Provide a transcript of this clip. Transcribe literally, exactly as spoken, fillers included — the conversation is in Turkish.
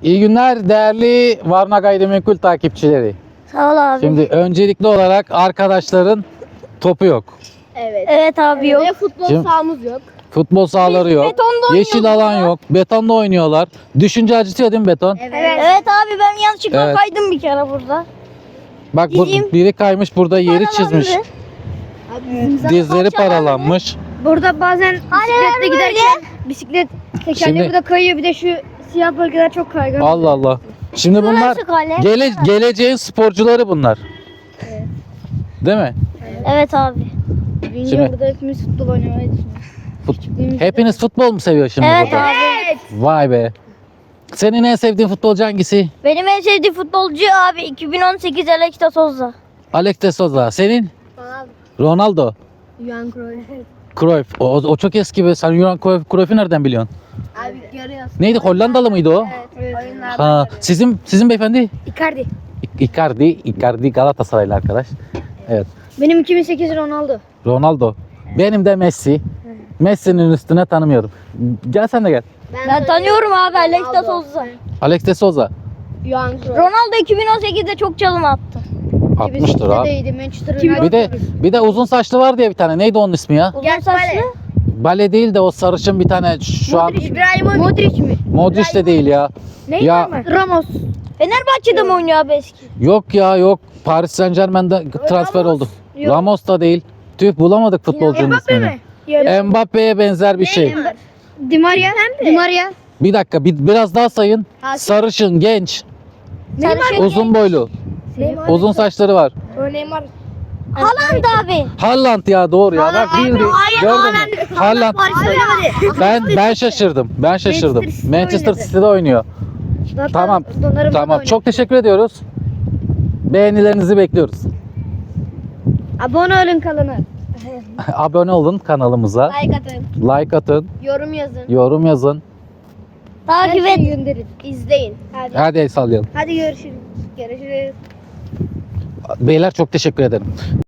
İyi günler değerli Varna Gayrimenkul takipçileri. Sağ ol abi. Şimdi öncelikli olarak arkadaşların topu yok. Evet. Evet abi yok. Ve futbol Şimdi- sahamız yok. Futbol sahaları yok. betonda Yeşil oynuyoruz alan ya. yok. Betonda oynuyorlar. Düşünce acıtıyor değil mi beton? Evet. Evet abi ben yanlışlıkla Evet. kaydım bir kere burada. Bak bu, Dizim biri kaymış burada yeri çizmiş. Paralandı. Abi bizim zaten- Dizleri paralanmış. Burada bazen bisikletle böyle. giderken bisiklet tekerleği Şimdi- burada kayıyor. Bir de şu siyah bölgeler çok kaygan. Allah Allah. Şimdi bunlar Şurası kale. gele, geleceğin sporcuları bunlar. Değil mi? Evet abi. Şimdi Şimdi- burada hepimiz futbol oynamayı düşünüyoruz. Fut- Hepiniz futbol mu seviyor şimdi Evet burada? abi. Evet. Vay be. Senin en sevdiğin futbolcu hangisi? Benim en sevdiğim futbolcu abi iki bin on sekiz Alex de Souza. Alex de Souza. Senin? Abi. Ronaldo. Johan Cruyff. Cruyff. O, o çok eski be. Sen Johan Cruyff, Cruyff'u nereden biliyorsun? Abi görüyorsun. Neydi? Hollandalı mıydı o? Evet. Oyunlarda. Ha, sizin sizin beyefendi? Icardi. İ- Icardi. Icardi Galatasaraylı arkadaş. Evet. Benim iki bin sekiz Ronaldo. Ronaldo. Benim de Messi. Messi'nin üstüne tanımıyorum. Gel sen de gel. Ben tanıyorum abi Alex de Souza. Alex de Souza. Johan Cruyff. Ronaldo iki bin on sekizde çok çalım attı. Atmıştır abi. İyiydi, Manchester United. Bir de bir de uzun saçlı var diye bir tane. Neydi onun ismi ya? Uzun Gel saçlı. bale. Bale değil de o sarışın bir tane şu an Modric, İbrahimovic. Modric mi? Modric de değil ya. Neydi Ya- ama? Ramos. Fenerbahçe'de mi oynuyor abi eski? Yok ya yok. Paris Saint Germain'de transfer oldu. Yok. Ramos da değil. Tüh bulamadık futbolcunun Mbappe ismini. mi? Yok. Mbappe'ye benzer bir şey. Di Maria. Di Maria. Bir dakika bir, biraz daha sayın. Hakim. Sarışın, genç, Sarışın. uzun boylu, Neymar. uzun saçları var. O Neymar. Haaland abi. Haaland ya doğru ya. Bak bildi. Gördün mü? Haaland. Söylemedi. Ben ben şaşırdım. Ben şaşırdım. Manchester City'de Manchester oynadı. City'de oynuyor. Zaten Tamam. Donnarumma Tamam. da Çok teşekkür ediyoruz. Beğenilerinizi bekliyoruz. Abone olun kanalına. Abone olun kanalımıza. Like atın. Like atın. Yorum yazın. Yorum yazın. Takip Her şeyi et. gönderin. İzleyin. Hadi. Hadi el sallayalım. Hadi görüşürüz. Görüşürüz. Beyler çok teşekkür ederim.